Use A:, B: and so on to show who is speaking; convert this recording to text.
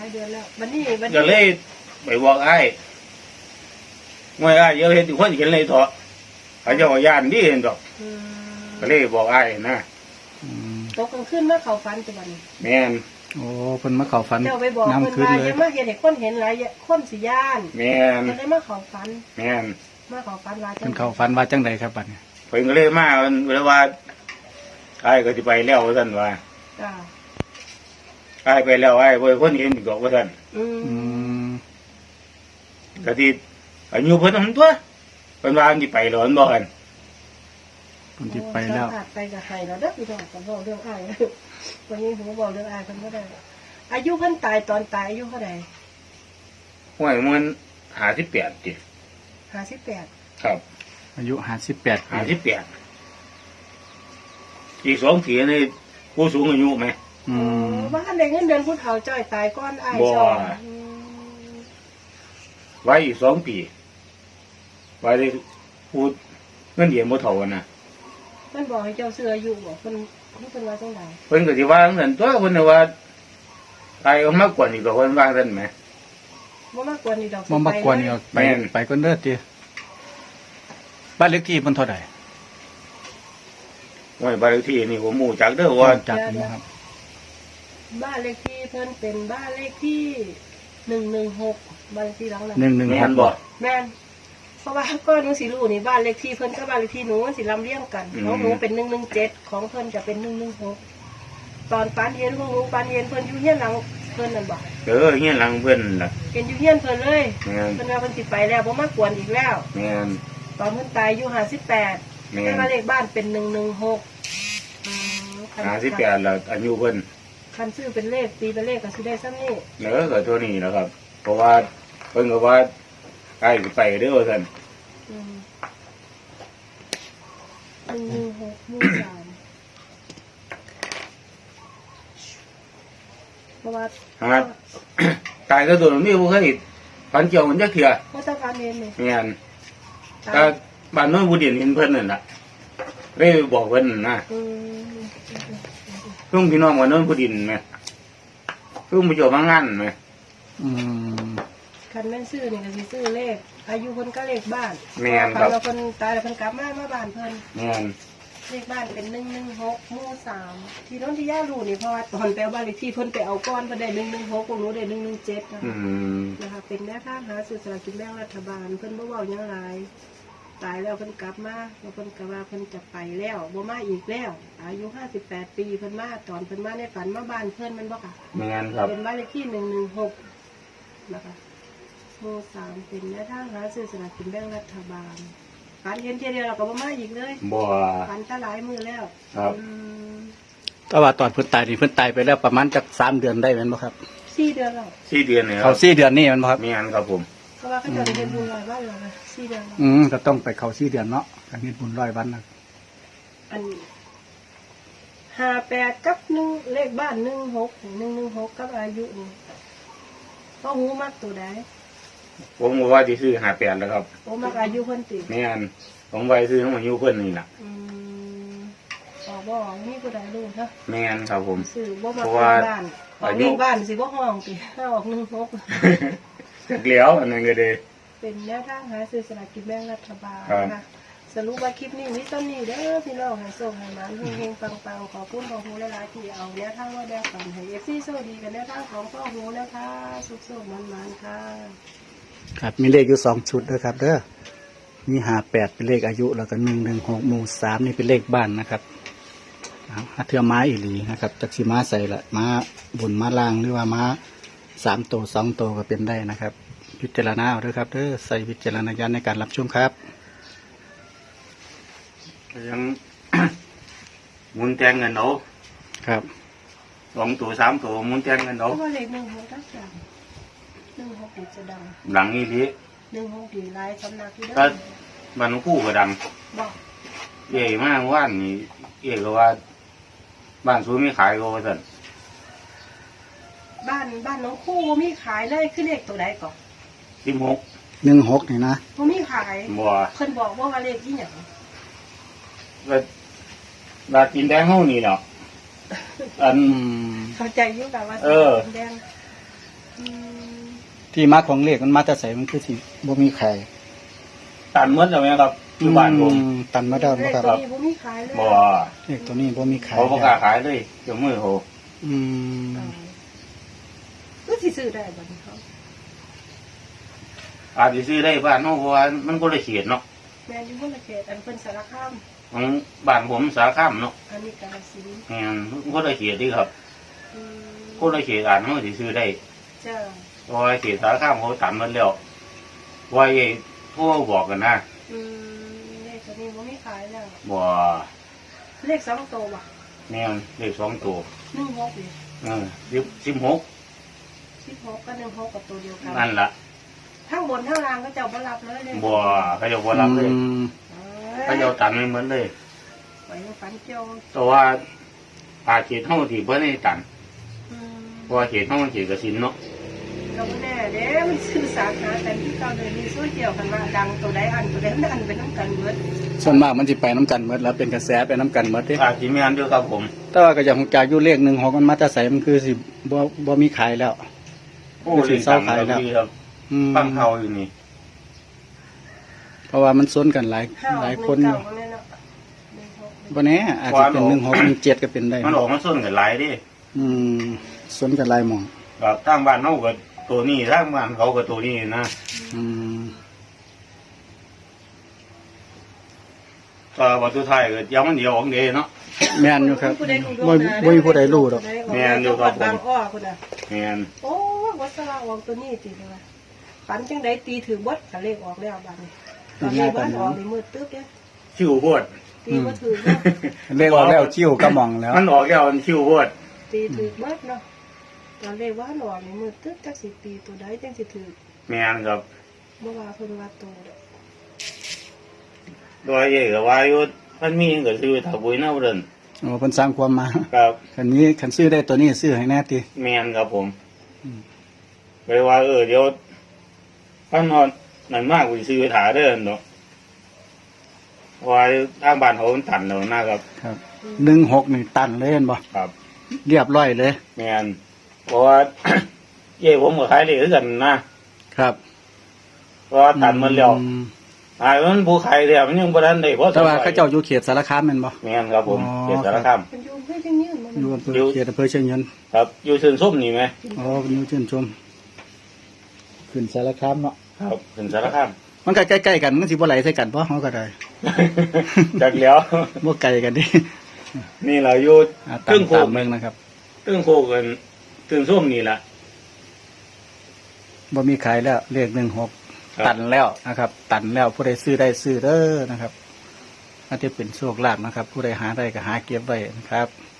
A: เดือนแล้ววันนี้
B: ก็เลยไปบอกไอ้ไม่ไอ้เยอะเห็นทุกคนเห็นเลยเถอะเขาจะว่าย่านดีเห็นดอกก็เลยบอกไอ้นะ
A: ตกกลางคืนมาเขาฟันจังหวะนี้
B: แม่น
C: โอ้เพิ่นมาเข้าฝัน
A: เจ้าไปบอกเพิ่นว่าอย่ามาเห็นเด็กคนเห็นหลายคนสิย่าน
B: แม่น
A: เพิ่นเลยมาเขาฟัน
B: แม่น
A: มาเขาฟันว่า
C: เพิ่นเข้าฝันว่าจังใดครับบัดนี้
B: เพิ่นก็เลยมาเวลาว่าไอ้ก็สิไปแล้วว่าซั่นว่าไอ้ไปแล้วไอ้บ่คนเห็นดอกว่าซั่นก็ที่อายุเพิ่นหั่นตัวเพิ่นว่าสิไปแล้วมันบ่คั่น
C: เพิ่นสิไปแล้ว
A: ไปกับใครแล้วเด้อพี่น้องก็บอกเรื่องอ้ายวันนี้ผมก็บอกเรื่องอ้ายเพิ่นบ่ได้อายุเพิ่นตายตอนตายอายุเท่าใด
B: ห้วยมัน58ติ
A: 58
B: ครับ
C: อายุ58
B: อีก2ปีนี่ผู้สูงอายุมั้ย
A: บ้านได้เงินเดือนผู้เฒ่าจ้อยตายก่อนอ้ายจ้อย
B: ไว้อีก2ปีไว้ได้พูดเงินเดือนบ่เท่ากันน่ะ
A: เพิ่นบอกให้เจ้าซื้ออายุบ่เพิ่นว่าจังได๋
B: เพิ่นก็สิว่าจังซั่นตัวเพิ่นว่าตายเอามากกว่านี้ก็เพิ่นว่าซั่นแหม
A: บ่มากกว่านี้ดอก
C: บ่มากกว่านี้ไปก่อนเด้อติบ้านเลขที่เพิ่นเท่าใด
B: โอ้ยบ้านเลขที่นี่ผมรู้จักเด้อว่า
C: จักอยู่ครับ
A: บ้านเลขที่เพิ่นเป็นบ้านเลขที่116บ้านเลขที่หลังนั้น
C: 116บ่
A: แม่นเพราะว่าก็หนูสิรู้นี่บ้านเลขที่เพิ่นกับบ้านเลขที่หนูมันสิลำเลียงกันของหนูเป็น117ของเพิ่นจะเป็น116ตอนปานเย็นของหนูปานเย็นเพิ่นอยู่เฮียนหลังเพิ่นนั่นบ่
B: เฮียนหลังเพิ่นล่ะ
A: เป็นอยู่เฮียนเพิ่นเลยเพิ่นว่าเพิ่นสิไปแล้วบ่มากวนอีกแล้ว
B: แม่น
A: ตอนเพิ่นตายอายุ58แต่ว่าเลขบ้านเป็น116
B: 58แล้วอายุเพิ่น
A: คันซื้อเป็นเลขตีเป็นเลขก็สิได้ซ้ำนี้
B: ก็เท่านี้นะครับเพราะว่าเพิ่นก็ว่าใกล้สิไปเด้อว่าซั่น
A: 116หมู่3เพราะว่า
B: ตายก็โดนมีบ่เคยฝันเกี่ยวมันจักเทื่อ
A: บ่ต้องการเห็นนี่
B: แม่นถ้าบ้านโน้นผู้เดียนเห็นเพิ่นนั่นล่ะเลยบอกเพิ่นนะเพิ่งพี่น้องบ้านโน้นผู้ดินแม่เพิ่งมาเจอมางานแม่
A: คันแม่นซื้อนี่ก็สิซื้อเลขอายุเพิ่นก็เลขบ้าน
B: แม่นครับ
A: เพิ่นตายแล้วเพิ่นกลับมาบ้านเพิ่น
B: แม่น
A: เลขบ้านเป็น116หมู่3ที่โน้นที่ย่ารู้นี่เพราะว่าตอนไปเอาบ้านเลขที่เพิ่นไปเอาก้อนเพิ่นได้116พวกหนูได้117นะคะเป็นแนวทางหาซื้อสลากกินแบ่งรัฐบาลเพิ่นบ่เว้าหยังหลายตายแล้วเพิ่นกลับมาแล้วเพิ่นก็ว่าเพิ่นจะไปแล้วบ่มาอีกแล้วอายุ58ปีเพิ่นมาตอนเพิ่นมาในฝันมาบ้านเพิ่นมันบ่ค่ะ
B: แม่นครับ
A: เป็นบ้านเลขที่116นะคะหมู่3เป็นแนวทางหาซื้อสลากกินแบ่งรัฐบาลฝันเห็นเทียเดียวเราก็บ่มาอีกเลย
B: บ่
A: ฝันซะหลายมื้อแล้ว
B: ครับ
C: แต่ว่าตอนเพิ่นตายนี่เพิ่นตายไปแล้วประมาณจัก3เดือนได้แม่นบ่ครับ
A: 4เดือนแล้ว
B: 4เดือนนี่
C: เขา4เดือนนี่แม่นบ่ครับ
B: แม่นครับผม
A: เพราะว่าเขาจะเฮ็ดบุญ100วันแล้วนะ4เดือน
C: ก็ต้องไปเข้า4เดือนเนาะการเฮ็ดบุญ100วันน่ะ
A: อัน58กับ1เลขบ้าน116กับอายุนี่พ่อฮู้มักตัวใด
B: ผมว่าสิซื้อ58แล้วครับ
A: ผมมักอายุเพิ่นติ
B: แม่นผมไว้ซื้อของอายุเพิ่นนี่ล่ะ
A: บ่มีผู้ใดรู้ซะ
B: แม่นครับผม
A: ซื้อบ่มักบ้านอายุบ้านสิบ่ฮ้องติถ้าออก16
B: จักแล้วอันนั้นก็ได้
A: เป็นแนวทางหาซื้อสลากกินแบ่งรัฐบาลนะคะสรุปว่าคลิปนี้มีต้นนี้เด้อพี่น้องให้ส่งให้มันเฮงๆปังๆขอคุณพ่อฮูหลายๆที่เอาแนวทางมาแบ่งปันให้ FC โชคดีกันแนวทางของพ่อฮูนะคะสุขๆมันๆค่ะ
C: ครับมีเลขอยู่2ชุดนะครับเด้อมี58เป็นเลขอายุแล้วก็116หมู่3นี่เป็นเลขบ้านนะครับเทื่อม้าอีหลีนะครับจักสิม้าใส่ละม้าบนม้าล่างหรือว่าม้า3ตัว2ตัวก็เป็นได้นะครับพิจารณาเอาด้วยครับเด้อใส่วิจารณญาณในการรับชมครับ
B: ยังมุนแทงเงินเอา
C: ครับ
B: 2ตัว3ตัวมุนแทงเงินเอา
A: เพราะว่าเลข16ทักอย่าง16นี่จะดัง
B: หลังนี้ที
A: 16ดีหลายสำนักที่เด้
B: อบ้านคู่ก็ดัง
A: บ่
B: ใหญ่มากว่านนี่ก็ว่าบ้านซูมีขายก็ว่าซั่น
A: บ้านน้องคู่มีขายเลยคือเลขตัวใดก่อน
B: 16
C: นี่นะ
A: บ่มีขาย
B: บ่
A: เพิ่นบอกว่าเลขอีหยัง
B: ว่ากินแดงเฮานี่เนาะอัน
A: เข้าใจอยู่กับว่า
B: กินแดง
A: อืม
C: ที่มาของเลขมันมาแต่ใส่มันคือสิบ่มีไข่
B: ตันเหมือนแล้วไหมครับอยู่บ้านผม
C: ตันมาแล้ว
A: เลข
C: นะครับ
A: ตัวนี้บ่มีขายเลย
B: บ่
C: เลขตัวนี้บ่มีไข่
B: เขาประกล้าขายเลยเดี๋ยวมือเขา
C: อืม
A: ก็สิซื้อได้บัดนี้เขา
B: อาจจะซื้อได้บ้านเขาเพราะว่ามันก็เลยเขียดเนาะ
A: แม่นอยู่คนละเขตอันเพิ่นสารคาม
B: ของบ้านผมสาข้ามเนาะ
A: อันนี้กาฬสินธุ์
B: แม่นมันก็เลยเขียดดีครับ
A: อืม
B: ก็เลยเขียดอ่านเขาสิซื้อได้
A: จ้า
B: เพราะว่าเขียดสาข้ามเขาตันมันแล้วว่าไอ้โทรบอกกันนะ
A: อืมเลขตัวนี้บ่มีขายแล้ว
B: บ่
A: เลข2ตัวว่ะ
B: แม่นเลข2ตัว
A: 16นี่
B: 16
A: 16กับ16กับตัวเดียวกัน
B: นั่นล่ะ
A: ทั้งบนทั้งล่างก็เจ้าบ่รับเลยเลย
B: บ่เขาจะบ่รับเลย เขาจะตันไม่เหมือนเลย
A: ไปฝันเกี่ยว
B: แต่ว่าอาเขียดเท่าที่เพิ่นให้ตัน
A: อืม
B: เพราะว่าเขียดเท่ามันเขียดกระสินเนาะ
A: ก็บ่แน่เด้มันสื่อสารหากันที่เก่าเลยมีโซเชียลกันว่าดังตัวใดอันตัวใดมันอันเป็นน้ำกันเบิด
C: ส่วนมากมันสิไปน้ำกันหมดแล้วเป็นกระแสไปน้ำกันหมดเด้
B: อาจิแม่นด้วยครับผม
C: แต่ว่าก็อย่างของจากอยู่เลข16มันมาแต่ใส่มันคือสิบ่มีขายแล้ว
B: โอ้เลยตังค์ครับพี่ครับ
C: อืม
B: ตั้งเท่าอยู่นี่
C: เพราะว่ามันซ้นกันหลาย
A: 5
C: หลาย
A: 1
C: คนอยู่
A: 9บ่แน่เนาะ16
C: บ่แน่อาจจะเป็น16 17ก็เป็นได้
B: มันออกมาส้นกันหลายเดิ
C: อืมซ้นกันหลายหม่อง
B: แบบทางบ้านเฮาก็ตัวนี้ทางบ้านเขาก็ตัวนี้นะ
C: อืม
B: ก็วัตถุไทายก็ยังมันเดียวของเดเนาะ
C: แม่นอยู่ครับบ่มีผู้ใดรู้ดอก
B: แม่นอยู่ครับผม
A: บางอ้อพุ่นน่ะ
B: แม่น
A: โอ้วัสระออกตัวนี้ติเลยฝันจังไดตีถือเบดก็เลขออกแล้วบัดนี้ตอนนี้บ้านออกนี่มืดตึ๊บเด้
B: คิวโพด
A: ตีบ่ถือเนาะ
C: เลขออกแล้วคิ้วก็มองแล้ว
B: มันออกแล้วมันคิวโพด
A: ตีถือเบิดเนาะตอนเลขว่าออกนี่มืดตึ๊บจักสิตีตัวใดจังสิถือ
B: แม่นครับ
A: บ่ว่าเพิ่นว่าโตเด้อ
B: โดยเอกก็ว่าอยู่มันมีก็ซื้อถ้าบุยเนาเดิน
C: โอ้เพิ่นสร้างความมา
B: ครับ
C: คันซื้อได้ตัวนี้ซื้อให้แน่ติ
B: แม่นครับผมไปว่าเดี๋ยวพันนอนนั่นมากกูสิซื้อถาเด้อเนาะว่าทางบ้านเขามันตันแล้วนะครับ
C: ครับ16นี่ตันเลยเห็นบ่
B: ครับ
C: เรียบร้อยเลย
B: แม่นเพราะว่า เย่ผมก็ขายเลยคือกันนะครับ เพราะว่าตันมันแล้ว
C: อืม
B: มันผู้ขายแล้วมันยังบ่ทันได้เพราะ
C: แต่ว่าเขาเจ้าอยู่เขตสารคามแม่นบ่
B: แม่นครับผม
C: อ๋อ
B: เขตสารคาม
A: เพิ่นอยู่เพิ่นจังยืนบ่
C: อยู่
A: แม่น
C: อำเภอเขตอำเภอเชียงยืน
B: ครับ อยู่เชิงส้มนี่ไหม
C: อ๋ออยู่ชื่นชมขึ้นสารคามเนาะ
B: ครับถึงสารคาม
C: มันก็ใกล้ๆกันมันสิบ่ไหลใส่กันบ่เฮาก็ได้
B: จากแล้ว
C: บ่ไกลกันดิ
B: นี่เราอยู่
C: ตา
B: ตึ้
C: ม
B: งโค
C: ตาก มเมืองนะครับ
B: ตึ้งโคกกันตึ้งส้มนี่แหละ
C: บ่มีขายแล้วเลข
B: ครับ
C: 16ตันแล้วนะครับ ตันแล้วผู้ใดซื้อได้ซื้อเด้อนะครับอาจจะเป็นโชคลาภนะครับ ผู้ใดหาได้ก็หาเก็บไว้นะครับ